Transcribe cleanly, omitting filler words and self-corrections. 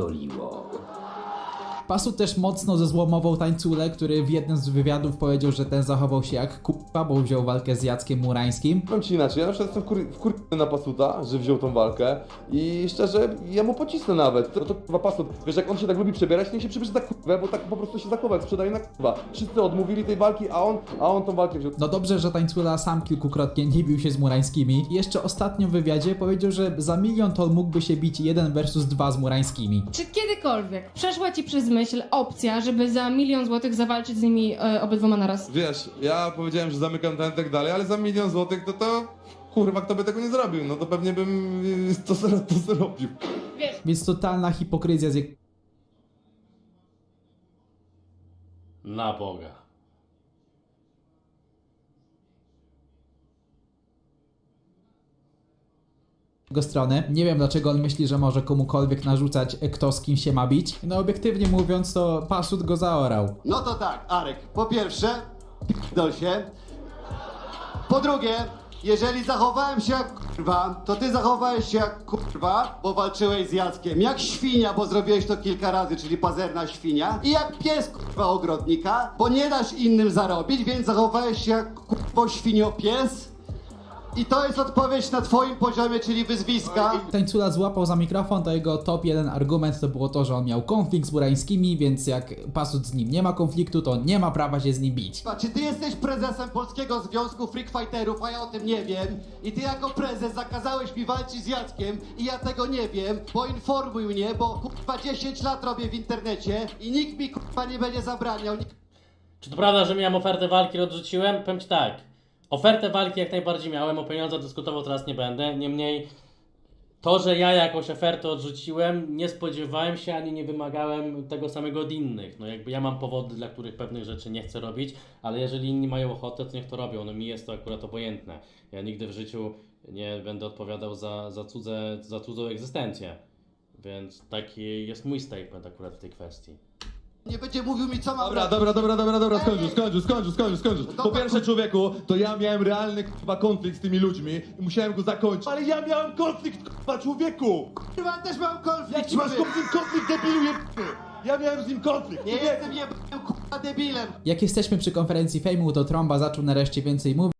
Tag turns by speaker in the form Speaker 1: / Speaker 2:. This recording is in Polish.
Speaker 1: spierdoliło.
Speaker 2: Pasut też mocno zezłomował Tańculę, który w jednym z wywiadów powiedział, że ten zachował się jak k***a, bo wziął walkę z Jackiem Murańskim.
Speaker 3: Powiem ci inaczej, ja na przykład jestem wkurwiony na Pasuta, że wziął tą walkę i szczerze, ja mu pocisnę nawet. To kurwa Pasut, wiesz, jak on się tak lubi przebierać, niech się przebierze za kurwę, bo tak po prostu się zachowa, jak sprzedaje na kurwa. Wszyscy odmówili tej walki, a on tą walkę wziął.
Speaker 2: No dobrze, że Tańcula sam kilkukrotnie nie bił się z Murańskimi. I jeszcze ostatnio w wywiadzie powiedział, że za 1 milion to mógłby się bić 1 versus 2 z Murańskimi.
Speaker 4: Czy kiedykolwiek przeszła ci przez myśl opcja, żeby za 1 milion złotych zawalczyć z nimi obydwoma naraz?
Speaker 3: Wiesz, ja powiedziałem, że zamykam ten i tak dalej, ale za 1 milion złotych to kurwa, kto by tego nie zrobił, no to pewnie bym to zrobił.
Speaker 4: Wiesz,
Speaker 2: Więc totalna hipokryzja z
Speaker 1: Na Boga.
Speaker 2: jego strony. Nie wiem, dlaczego on myśli, że może komukolwiek narzucać, kto z kim się ma bić. No obiektywnie mówiąc, to Pasut go zaorał.
Speaker 5: No to tak, Arek, po pierwsze, p***dol się. Po drugie, jeżeli zachowałem się jak kurwa, to ty zachowałeś się jak kurwa, bo walczyłeś z Jackiem. Jak świnia, bo zrobiłeś to kilka razy, czyli pazerna świnia. I jak pies kurwa ogrodnika, bo nie dasz innym zarobić, więc zachowałeś się jak kurwa świniopies. I to jest odpowiedź na twoim poziomie, czyli wyzwiska.
Speaker 2: Tańcula złapał za mikrofon, to jego top 1 argument to było to, że on miał konflikt z Murańskimi, więc jak Pasut z nim nie ma konfliktu, to nie ma prawa się z nim bić.
Speaker 5: Czy ty jesteś prezesem Polskiego Związku Freak Fighterów, a ja o tym nie wiem? I ty jako prezes zakazałeś mi walczyć z Jackiem i ja tego nie wiem, poinformuj mnie, bo kurwa 10 lat robię w internecie i nikt mi kurwa nie będzie zabraniał.
Speaker 1: Czy to prawda, że miałem ofertę walki i odrzuciłem? Powiem ci tak. Ofertę walki jak najbardziej miałem, o pieniądzach dyskutował teraz nie będę. Niemniej to, że ja jakąś ofertę odrzuciłem, nie spodziewałem się ani nie wymagałem tego samego od innych. No jakby ja mam powody, dla których pewnych rzeczy nie chcę robić, ale jeżeli inni mają ochotę, to niech to robią. No mi jest to akurat obojętne. Ja nigdy w życiu nie będę odpowiadał za cudzą egzystencję. Więc taki jest mój statement akurat w tej kwestii.
Speaker 5: Nie będzie mówił mi co mam
Speaker 3: Dobra, skończysz.
Speaker 5: Dobra,
Speaker 3: Po pierwsze, człowieku, to ja miałem realny kurwa konflikt z tymi ludźmi i musiałem go zakończyć. Ale ja miałem konflikt, kurwa, człowieku!
Speaker 5: Kurwa, też mam konflikt.
Speaker 3: Jak ci masz konflikt, debilu jebany? Ja miałem z nim konflikt.
Speaker 5: Nie jestem jebanym kurwa debilem.
Speaker 2: Jak jesteśmy przy konferencji Fejmu, to Trąba zaczął nareszcie więcej mówić.